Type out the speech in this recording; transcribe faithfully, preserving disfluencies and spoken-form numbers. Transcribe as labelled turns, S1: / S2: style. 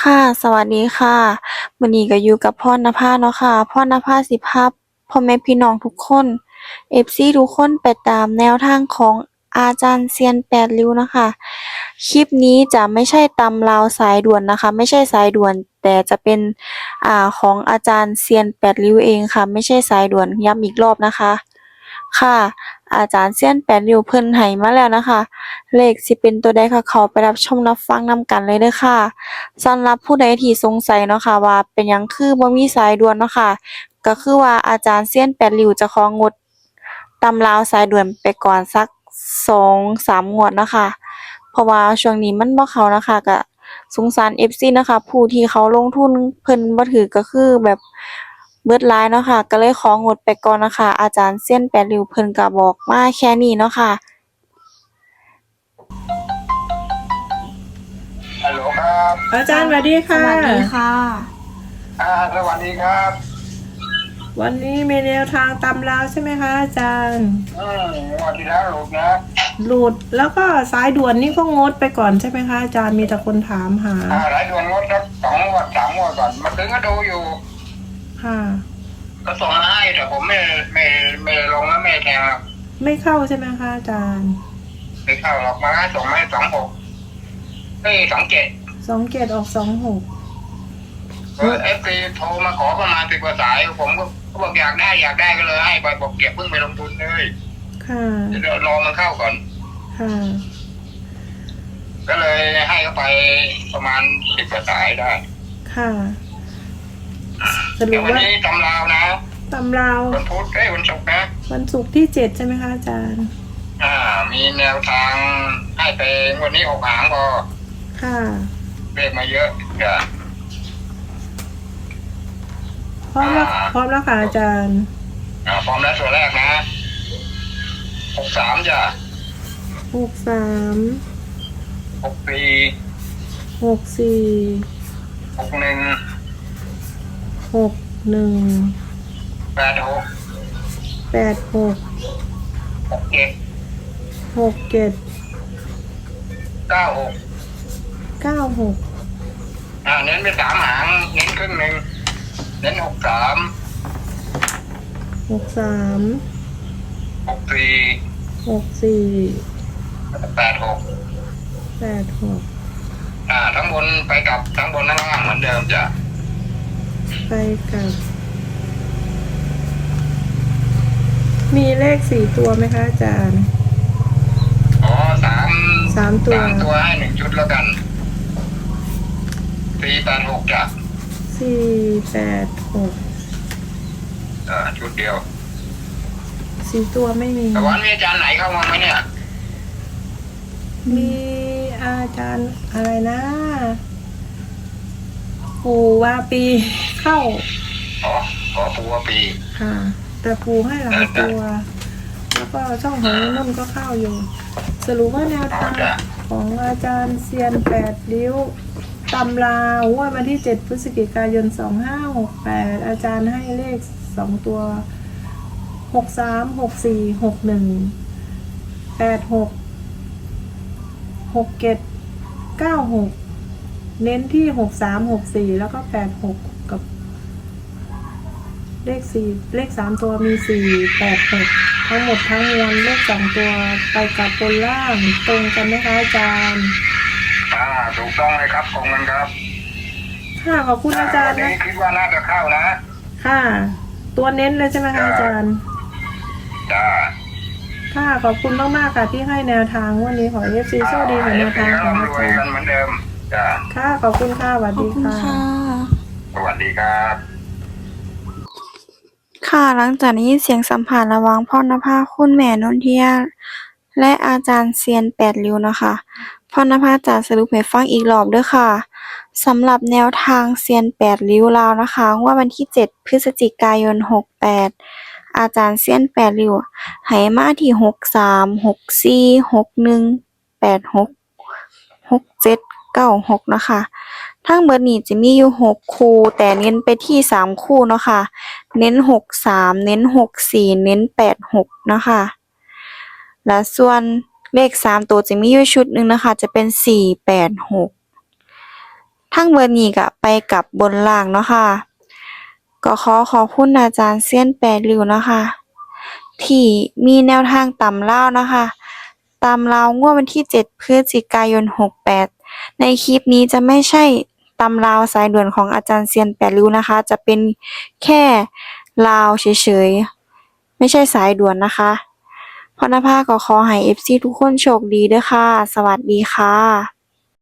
S1: ค่ะสวัสดีค่ะมื้อนี้ก็อยู่กับพรณภาเนาะค่ะพรณภาสิพาพ่อแม่พี่น้องทุกคน เอฟ ซี ทุกคนไปตามแนวทางของอาจารย์เซียนแปดริ้วนะคะคลิปนี้จะไม่ใช่ตำราวสายด่วนนะคะไม่ใช่สายด่วนแต่จะเป็นอ่าของอาจารย์เซียนแปดริ้วเองค่ะไม่ใช่สายด่วนย้ำอีกรอบนะคะค่ะอาจารย์เซียนแปดริ้วเพิ่นให้มาแล้วนะคะเลขสิเป็นตัวใดค่ะเขาไปรับชมรับฟังนำกันเลยเด้อค่ะ สำหรับผู้ใดที่สงสัยเนาะค่ะว่าเป็นหยังคือบ่มีสายด่วนเนาะค่ะก็คือว่าอาจารย์เซียนแปดริ้วจะของดตำราวสายด่วนไปก่อนสัก สองสาม งวดเนาะค่ะเพราะว่าช่วงนี้มันบ่เข้านะคะก็สงสาร เอฟ ซี นะคะผู้ที่เขาลงทุนเพิ่นบ่ถูกก็คือแบบเบิดหลายเนาะค่ะก็เลยของดไปก่อนนะคะอาจารย์เซียนแปดริ้วเพิ่นก็บอกมาแค่นี้เนาะค่ะ
S2: ฮัลโหลครับ
S3: อาจารย์สวัสดี
S1: ส
S3: ค่ะ
S1: วัสดีค่ะ
S2: อ่าสวัสดีครับ
S3: วันนี้มีแนวทางตำราวใช่ไหมคะอาจารย์
S2: อืมงวันที่แล้วหลุดนะ
S3: หลุดแล้วก็สายด่วนนี่ก็งดไปก่อนใช่ไหมคะอาจารย์มีแต่คนถามหา
S2: อ่าหลายดวงงดสักสองงวดสามงวดก่อนมาถึงก็ดูอยู่
S3: ค่ะ
S2: ก็ส่งมาให้แต่ผมไม่ไม่ไม่ลงแล้วไม่แทงหรอก
S3: ไม่เข้าใช่ไหมคะอาจารย์
S2: ไม่เข้าหรอกมาให้ส่งมาให้สองหกเฮ้ยสองเจ็ด
S3: สองเกตออกสองหก
S2: เออเอฟซีโทรมาขอประมาณสิบกว่าสาย ผมก็ก็บอกอยากได้อยากได้ก็เลยให้ไปบอกเก็บเพิ่งไปลงทุนเลย
S3: ค่ะ
S2: เดี๋ยวรอมันเข้าก่อน
S3: ค่ะ
S2: ก็เลยให้เขาไปประมาณสิบกว่าสายได้
S3: ค่ะสรุ
S2: เดี๋ย
S3: ป
S2: ววัน
S3: ว่า
S2: นี้ตำราวนะ
S3: ตำราว
S2: วันพุธเอ้ยวันศุกร์นะ
S3: วันศุกร์ที่เจ็ดใช่ไหมคะอาจารย์
S2: อ่า มีแนวทางให้ไปวันนี้หกหางพอ
S3: ค่ะ
S2: เรียกมาเยอะจ้ะ
S3: พร้อมแล้วพร้อมแล้วค่ะอาจารย์
S2: อ่าพร้อมแล้วตัวแรกนะหกสามจ้ะ
S3: หกสาม
S2: หกสี่
S3: หกสี่
S2: หกหนึ่ง
S3: หกหนึ่ง
S2: แปดหก
S3: แปดหก
S2: หกเจ็ด
S3: หกเจ็ด
S2: เก้าหก
S3: เก้าหก
S2: อ่าเน้นไปสามหางเน้นครึ่งหนึ่งเน้นหกสาม
S3: หกสาม
S2: หกสี่
S3: หกสี่
S2: แปดหก
S3: แปดหก
S2: อ่าทั้งบนไปกับทั้งบนทั้งล่างเหมือนเดิมจ้ะ
S3: ไปกับ มีเลขสี่ตัวไหมคะอาจารย์
S2: อ๋อสาม
S3: สามตัว
S2: สามตัวให้หนึ่งชุดแล้วกันสี่แปดหกจ้ะ
S3: สี่แปดหก
S2: อ่าชุดเดียว
S3: สี่ตัวไม่มี
S2: แต่วันนี้อาจารย์ไหนเข้ามาไหมเนี่ย
S3: มีอาจารย์อะไรนะปูว่าปีเข้า
S2: อ๋อขอปูว่าปี
S3: ค่ะ แต่ปูให้หลายตัว แล้วก็ช่องของนุ่นก็เข้าอยู่ สรุปว่าแนวทางของอาจารย์เซียนแปดริ้วตำราวว่าวันที่เจ็ดพฤศจิกายนสองห้าหกแปดอาจารย์ให้เลขสองตัวหกสามหกสี่หกหนึ่งแปดหกหกเจ็ดเก้าหกเน้นที่หกสามหกสี่แล้วก็แปดหกกับ เลขสี่เลขสามตัวมีสี่แปดหกทั้งหมดทั้งมวลเลขสองตัวไปกับบนล่างตรงกันไหมคะอาจารย์
S2: อ่าถูกต้องเลยครับของมันครับ
S3: ค่ะขอบคุณอาจารย์
S2: วัน
S3: นะ
S2: นี้คิดว่าน่าจะเข้านะ
S3: ค่ะ ตัวเน้นเลยใช่ไหมคะอาจารย์
S2: จ้า
S3: ค่ะขอบคุณมากๆค่ะที่ให้แนวทางวันนี้ขอเอฟซีโชคดีกับแนวทางของอา
S2: รวย
S3: จาร
S2: กัน
S3: ย์
S2: เหมือนเดิมจ้า
S3: ค่ะขอบคุณค่ะสวัส
S1: ขอบ
S3: ดี
S1: คุณ
S3: ค่ะ
S1: ค่ะ
S2: สวัสดีครับ
S1: ค่ะหลังจากนี้เสียงสัมภาษณ์ระหว่างพรณภาคุณแม่นนทิยาและอาจารย์เซียนแปดริ้วนะคะพรณภาจะสรุปให้ฟังอีกรอบเด้อค่ะสำหรับแนวทางเซียนแปดริ้วลาวนะคะงวดวันที่เจ็ดพฤศจิกายนหกแปดอาจารย์เซียนแปดริ้วให้มาที่หกสามหกสี่หกหนึ่งแปดหกหกเจ็ดเก้าหกนะคะทั้งเบิดนี้จะมีอยู่หกคู่แต่เน้นไปที่สามคู่เนาะค่ะ เน้นหกสามเน้นหกสี่เน้นแปดหกนะคะและส่วนเลขสามตัวจะมีอยู่ชุดหนึ่งนะคะจะเป็นสี่แปดหกทั้งเบิดนี้ก็ไปกับบนล่างเนาะค่ะก็ขอขอบคุณอาจารย์เซียนแปดริ้วนะคะ ที่มีแนวทางตำลาวนะคะตำลาวงวดวันที่เจ็ดพฤศจิกายนหกแปดในคลิปนี้จะไม่ใช่ตำลาวสายด่วนของอาจารย์เซียนแปดริ้วนะคะจะเป็นแค่ลาวเฉยๆไม่ใช่สายด่วนนะคะพรณภาก็ขอให้ เอฟ ซี ทุกคนโชคดีเด้อค่ะสวัสดีค่ะ